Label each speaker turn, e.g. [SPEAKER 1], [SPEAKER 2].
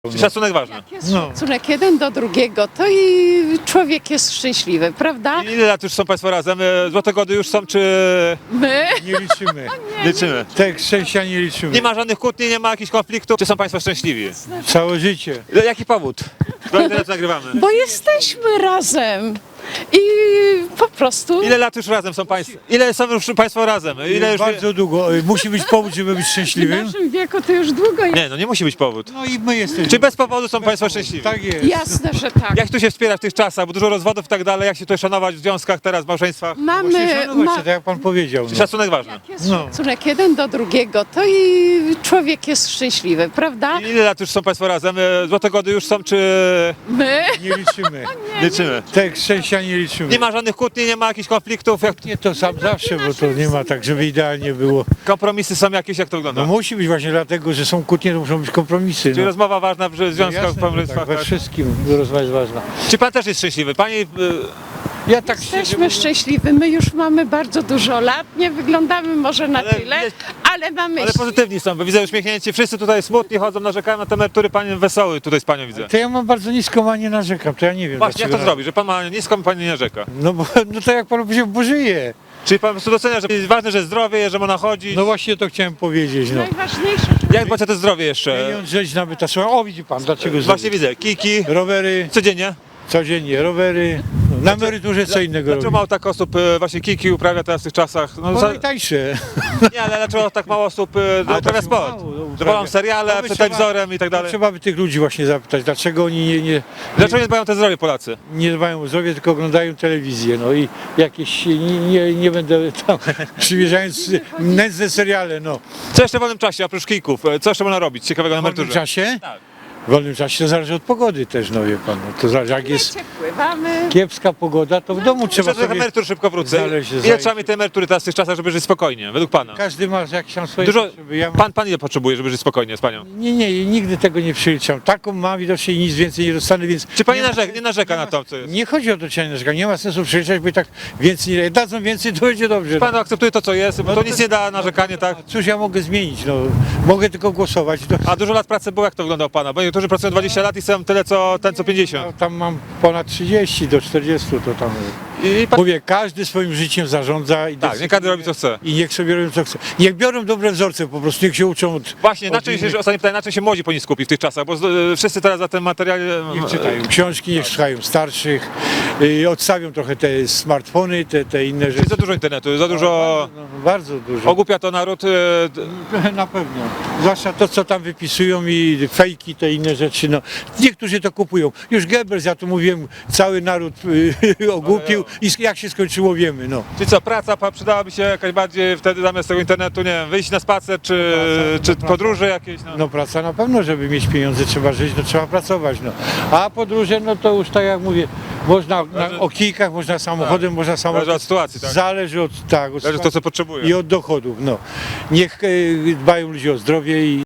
[SPEAKER 1] Szacunek ważny.
[SPEAKER 2] Jak jest szacunek jeden do drugiego, to i człowiek jest szczęśliwy, prawda?
[SPEAKER 1] Ile lat już są Państwo razem? Złote gody już są, czy
[SPEAKER 2] My?
[SPEAKER 3] Nie liczymy.
[SPEAKER 1] liczymy?
[SPEAKER 3] Tak, szczęścia nie liczymy.
[SPEAKER 1] Nie ma żadnych kłótni, nie ma jakichś konfliktów? Czy są Państwo szczęśliwi?
[SPEAKER 3] Całe życie.
[SPEAKER 1] Jaki powód? Do internetu nagrywamy.
[SPEAKER 2] Bo jesteśmy razem i po prostu
[SPEAKER 1] Ile lat już razem są Państwo? Ile są już Państwo razem? Ile już...
[SPEAKER 3] Bardzo długo. Musi być powód, żeby być
[SPEAKER 2] w
[SPEAKER 3] szczęśliwym.
[SPEAKER 2] naszym wieku to już długo jest.
[SPEAKER 1] Nie, no nie musi być powód.
[SPEAKER 3] No i my jesteśmy.
[SPEAKER 1] Czy bez powodu są Państwo szczęśliwi?
[SPEAKER 3] Tak jest.
[SPEAKER 2] Jasne, że tak.
[SPEAKER 1] Jak tu się wspierać w tych czasach, bo dużo rozwodów i tak dalej, jak się tutaj szanować w związkach teraz, w małżeństwach?
[SPEAKER 3] Właśnie
[SPEAKER 2] Mamy,
[SPEAKER 3] szanować się, tak jak pan powiedział. No.
[SPEAKER 1] Szacunek ważny.
[SPEAKER 2] jak jest
[SPEAKER 3] No.
[SPEAKER 2] szacunek jeden do drugiego, to i człowiek jest szczęśliwy, prawda?
[SPEAKER 1] Ile lat już są Państwo razem? Złote gody już są, czy
[SPEAKER 2] My?
[SPEAKER 3] Nie liczymy.
[SPEAKER 1] liczymy?
[SPEAKER 3] Tak, szczęścia nie liczymy.
[SPEAKER 1] Nie ma żadnych kłótni, nie ma jakichś konfliktów? Jak...
[SPEAKER 3] Nie to sam zawsze, bo to nie ma tak, żeby idealnie było.
[SPEAKER 1] Kompromisy są jakieś, jak to wygląda?
[SPEAKER 3] No musi być właśnie dlatego, że są kłótnie, to muszą być kompromisy.
[SPEAKER 1] Czyli
[SPEAKER 3] No.
[SPEAKER 1] rozmowa ważna w związkach, w
[SPEAKER 3] Jasne, że
[SPEAKER 1] małżeństwach?
[SPEAKER 3] tak, we
[SPEAKER 1] Tak.
[SPEAKER 3] wszystkim rozmowa jest ważna.
[SPEAKER 1] Czy Pan też jest szczęśliwy? Pani...
[SPEAKER 3] Ja tak szczerze
[SPEAKER 2] Jesteśmy
[SPEAKER 3] mówiąc,
[SPEAKER 2] szczęśliwi, my już mamy bardzo dużo lat, nie wyglądamy może na
[SPEAKER 1] Ale
[SPEAKER 2] tyle,
[SPEAKER 1] widać-
[SPEAKER 2] ale mamy
[SPEAKER 1] Ale pozytywni są, bo widzę uśmiechnięci, wszyscy tutaj smutni chodzą, narzekają na te emerytury, Pan wesoły tutaj z Panią widzę.
[SPEAKER 3] to ja mam bardzo niską, a nie narzekam, to ja nie wiem.
[SPEAKER 1] Właśnie, jak to
[SPEAKER 3] dlaczego.
[SPEAKER 1] zrobić, że Pan ma niską, Pani nie narzeka?
[SPEAKER 3] No to jak pan powiedział, bo żyje.
[SPEAKER 1] Czyli Pan po prostu docenia, że jest ważne, że zdrowie, że można chodzić?
[SPEAKER 3] No właśnie to chciałem powiedzieć, no.
[SPEAKER 2] najważniejsze.
[SPEAKER 1] Jak dbać o to zdrowie jeszcze?
[SPEAKER 3] Pieniądz, rzeź nabyta, słuchaj, o widzi pan, dlaczego
[SPEAKER 1] Właśnie
[SPEAKER 3] zrobić?
[SPEAKER 1] widzę, kiki,
[SPEAKER 3] Rowery,
[SPEAKER 1] codziennie.
[SPEAKER 3] codziennie rowery, no, na emeryturze co innego
[SPEAKER 1] Dlaczego
[SPEAKER 3] robić.
[SPEAKER 1] mało tak osób właśnie kiki uprawia teraz w tych czasach? No,
[SPEAKER 3] No najtańsze.
[SPEAKER 1] nie, ale dlaczego tak mało osób uprawia
[SPEAKER 3] tak
[SPEAKER 1] sport?
[SPEAKER 3] mało, no, uprawia.
[SPEAKER 1] Że wolą seriale,
[SPEAKER 3] No by
[SPEAKER 1] przed
[SPEAKER 3] trzeba-
[SPEAKER 1] telewizorem i tak dalej.
[SPEAKER 3] Trzeba by tych ludzi właśnie zapytać, dlaczego oni
[SPEAKER 1] Dlaczego nie dbają o to zdrowie Polacy?
[SPEAKER 3] nie dbają o zdrowie, tylko oglądają telewizję, no i jakieś, nie będę tam przymierzając nędzne seriale, no.
[SPEAKER 1] Co jeszcze w wolnym czasie, oprócz kików? Co jeszcze można robić ciekawego na
[SPEAKER 3] W wolnym
[SPEAKER 1] emeryturze?
[SPEAKER 3] czasie?
[SPEAKER 1] Tak.
[SPEAKER 3] W wolnym czasie to zależy od pogody też, no wie pan, no, to zależy, jak jest
[SPEAKER 2] Pływamy.
[SPEAKER 3] kiepska pogoda, to w domu trzeba
[SPEAKER 1] Trzeba
[SPEAKER 3] sobie...
[SPEAKER 1] emerytur szybko wrócę.
[SPEAKER 3] znaleźć
[SPEAKER 1] Ile
[SPEAKER 3] zajęcie.
[SPEAKER 1] trzeba mieć tej emerytury teraz w tych czasach, żeby żyć spokojnie, według Pana?
[SPEAKER 3] Każdy ma jakieś tam swoje
[SPEAKER 1] Dużo,
[SPEAKER 3] potrzeby. Ja mam...
[SPEAKER 1] pan ile potrzebuje, żeby żyć spokojnie z Panią?
[SPEAKER 3] Nie, nigdy tego nie przeliczam. Taką mam widocznie i nic więcej nie dostanę, więc...
[SPEAKER 1] Czy Pani
[SPEAKER 3] nie,
[SPEAKER 1] nie narzeka na to, co jest?
[SPEAKER 3] Nie chodzi o to, czy ja nie narzekam. Nie ma sensu przeliczać, bo i tak więcej nie... Dadzą więcej, to będzie dobrze.
[SPEAKER 1] Pan akceptuje to, co jest, bo to nic nie da, narzekanie, tak?
[SPEAKER 3] Cóż ja mogę zmienić, no. Mogę tylko głosować. To...
[SPEAKER 1] A dużo lat pracy było, jak to wygląda u Pana? Bo niektórzy pracują 20 lat i są tyle, co ten, co 50.
[SPEAKER 3] No, tam mam ponad 30 do 40, to tam...
[SPEAKER 1] I pan...
[SPEAKER 3] Mówię, każdy swoim życiem zarządza i
[SPEAKER 1] Tak, nie każdy robi, co chce.
[SPEAKER 3] I niech sobie robią co chce. Niech biorą dobre wzorce po prostu, niech się uczą od...
[SPEAKER 1] Właśnie, na
[SPEAKER 3] od
[SPEAKER 1] czym
[SPEAKER 3] innych.
[SPEAKER 1] się, ostatnie pytanie, na czym się młodzi powinni skupić w tych czasach? Bo wszyscy teraz za ten materiał...
[SPEAKER 3] Niech czytają książki, niech słuchają starszych, odstawią trochę te smartfony, te inne
[SPEAKER 1] Czyli
[SPEAKER 3] rzeczy.
[SPEAKER 1] za dużo internetu, za dużo...
[SPEAKER 3] No, bardzo dużo.
[SPEAKER 1] Ogłupia to naród.
[SPEAKER 3] Na pewno. Zwłaszcza to, co tam wypisują i fejki, te inne rzeczy. No. Niektórzy to kupują. Już Goebbels, ja tu mówiłem, cały naród ogłupił i jak się skończyło wiemy. No.
[SPEAKER 1] Czyli co, praca przydałaby się jakaś bardziej wtedy zamiast tego internetu, nie wiem, wyjść na spacer, czy podróże jakieś? No.
[SPEAKER 3] No praca na pewno, żeby mieć pieniądze trzeba żyć, no trzeba pracować. No. A podróże, no to już tak jak mówię, można o kijkach, można samochodem, można samochodem.
[SPEAKER 1] Zależy od sytuacji, tak?
[SPEAKER 3] Zależy od, tak, od
[SPEAKER 1] Zależy od to, co potrzebuje.
[SPEAKER 3] i od dochodów. No. Niech dbają ludzie o zdrowie i